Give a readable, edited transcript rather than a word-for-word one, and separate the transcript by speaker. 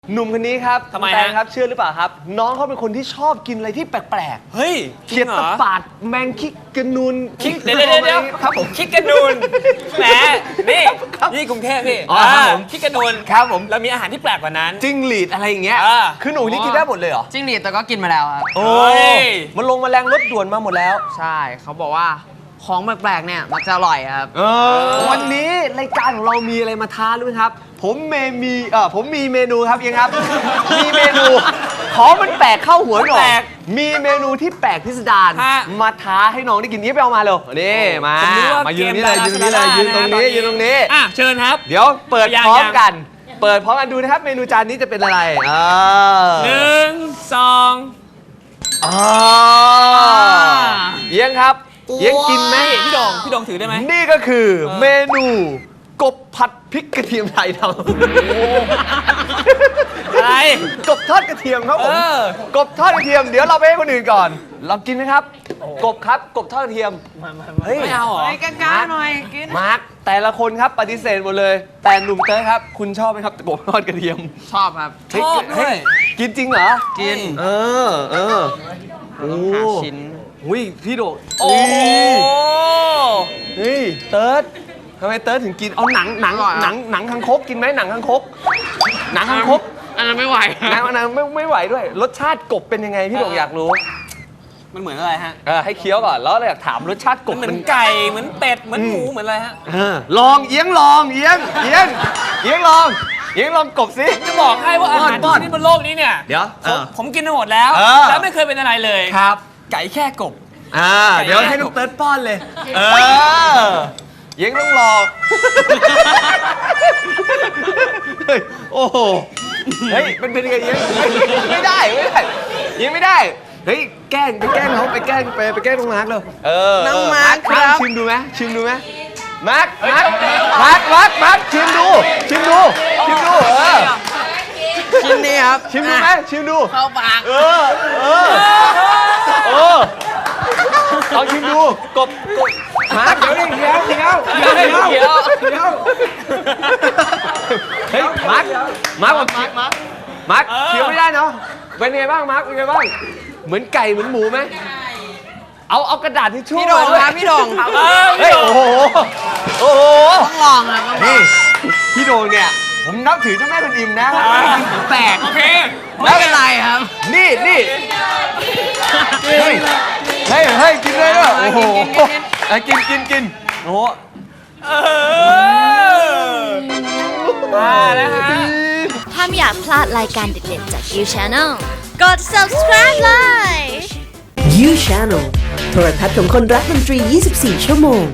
Speaker 1: หนุ่มคนนี้ครับ
Speaker 2: ทำไม
Speaker 1: แตง
Speaker 2: ฮะ
Speaker 1: ครับเชื่อหรือเปล่าครับ น้องเขาเป็นคนที่ชอบกินอะไรที่แปลก
Speaker 2: เฮ้ย
Speaker 1: ๆ
Speaker 2: จริ
Speaker 1: เขีย
Speaker 2: ง
Speaker 1: ด
Speaker 2: เหร
Speaker 1: ตะ
Speaker 2: อ
Speaker 1: ปาดแมงคิกกระนูน
Speaker 2: คิกเดี๋ยว
Speaker 1: ครับผม
Speaker 2: คิกกระนูนแหมนี่กรุงเทพพี่
Speaker 1: อ๋อครับผม
Speaker 2: คิกกระนูน
Speaker 1: ครับผม
Speaker 2: เรามีอาหารที่แปลกกว่านั้น
Speaker 1: จิ้งหรีดอะไรอย่างเงี้ย
Speaker 2: อ่า
Speaker 1: คือหนูนี่กินได้หมดเลยเหรอ
Speaker 3: จิ้งหรีดแต่ก็กินมาแล้วครับ
Speaker 1: โอ้
Speaker 2: เฮ้ย
Speaker 1: มันลงแมลงรถด่วนมาหมดแล้ว
Speaker 3: ใช่เขาบอกว่าของแปลกๆเนี่ยมันจะอร่อยครับ
Speaker 1: วันนี้รายการของเรามีอะไรมาท้ารู้ไหมครับ ผมมีเมนูครับยังครับ มีเมนูของมันแปลกเข้าหัวหน่อ
Speaker 2: แปล
Speaker 1: ย
Speaker 2: ก
Speaker 1: มีเมนูที่แปลกพิสดาร
Speaker 2: ฮะ
Speaker 1: มาท้าให้น้องได้กินนี้ไปเอามาเลยนี่มา
Speaker 2: ผมนึกว่า
Speaker 1: มายืนตรงนี้เลย
Speaker 2: เกม
Speaker 1: ยืนตรงนี้เลยยืนตรงนี้
Speaker 2: ดารา
Speaker 1: ยืนตรงนี้
Speaker 2: อ่ะเชิญครับ
Speaker 1: เดี๋ยวเปิด
Speaker 2: ยัง
Speaker 1: พร้อม
Speaker 2: ยัง
Speaker 1: กัน เปิดพร้อมกันดูนะครับ เมนูจานนี้จะเป็นอะไร
Speaker 2: หนึ่งสอง
Speaker 1: เอียงครับเอียงกินไหม
Speaker 2: พี่โด่งถือได้ไหม
Speaker 1: นี่ก็คือเมนูกบผัดพริกกระเทียมไทยดำ
Speaker 2: อะไร
Speaker 1: กบทอดกระเทียมครับผม
Speaker 2: เออ
Speaker 1: กบทอดกระเทียมเดี๋ยวเราไปให้คนอื่นก่อนลองกินไหมครับ กบครับกบทอดกระเทียมเฮ้ย
Speaker 2: ไม่เอาเหรอ
Speaker 3: กล้าๆหน่อยกิน
Speaker 1: มาร์คแต่ละคนครับปฏิเสธหมดเลย แต่หนุ่มเต้ยครับ คุณชอบไหมครับกบทอดกระเทียม
Speaker 3: ชอบครับ
Speaker 2: ชอบด้วย
Speaker 1: กินจริงเหรอ
Speaker 3: กิน
Speaker 1: เออโอ้
Speaker 3: หาชิ้น
Speaker 1: หุ้ยพี่โด
Speaker 2: โอ้โห
Speaker 1: เฮ้ยเติร์ดทำไมเติร์ดถึงกินเอาหนัง
Speaker 3: อร่อยอะ
Speaker 1: หนังคังคกกินไหมหนังคังคกหนังคังคก
Speaker 3: อันนั้นไม่ไหว
Speaker 1: หนังไม่ไหวด้วย รสชาติกบเป็นยังไงพี่โดอยากรู้
Speaker 2: มันเหมือนอะไรฮะ
Speaker 1: ให้เคี้ยวก่อนแล้วเราอยากถามรสชาติก
Speaker 2: มั
Speaker 1: บ
Speaker 2: นเหมือนไก่เหมือนเป็ดเหมือนหมูเหมือนอะไรฮะ
Speaker 1: ลองเอียงลองเอียงลองกบสิ
Speaker 2: จะบอกให้ว่าอาหาร
Speaker 1: ป้อน
Speaker 2: ที่นี่บนโลกนี้เนี่ย
Speaker 1: เดี๋ยว
Speaker 2: ผมกินมาหมดแล้ว
Speaker 1: เออ
Speaker 2: แล้วไม่เคยเป็นอะไรเลย
Speaker 1: ครับ
Speaker 2: ไก่แค่กบ
Speaker 1: เดี๋ยวให้น้องเติร์ดป้อนเลยเอียงต้องรอเฮ้ยโอ้โหเฮ้ยมันเป็นยังไงเอียงไม่ได้เอียงไม่ได้เฮ้ยแกล้งเขาไปแกล้งน้องมาร์คเลยน้องมาร์คครับชิมดูไหมมาร์คชิมดูชิมดู
Speaker 3: ชิ้นนี้ครับ
Speaker 1: ชิมดูไหมชิมดู
Speaker 3: เข้าปาก
Speaker 1: ลองชิมดูกบมาร์คเดี๋ยวเฮ้ยมาร์คเคี้ยวไม่ได้เนาะเป็นไงบ้างมาร์คเป็นไงบ้างเหมือนไก่เหมือนหมูไหมเอากระดาษทิชชู่
Speaker 3: พี่โด่ง
Speaker 1: มาด้วย
Speaker 3: ครับพี่โด่งครับ
Speaker 1: เฮ้ยโอ้โห
Speaker 3: ต้องลองครับต้องลอง
Speaker 1: นี่พี่โดงเนี่ยผมนับถือเจ้าแม่คุณอิมนะแปลก
Speaker 2: โอเค
Speaker 3: ไม่เป็นไรครับ
Speaker 1: นี่เฮ้ยกินเลยด้วยโอ้โหกินโอ้โห
Speaker 2: มาแล้วฮะ
Speaker 4: ถ้าไม่อยากพลาดรายการเด็ดๆจาก You Channel กด subscribe เลย
Speaker 5: You Channel โทรทัศน์ของคนรักดนตรี 24 ชั่วโมง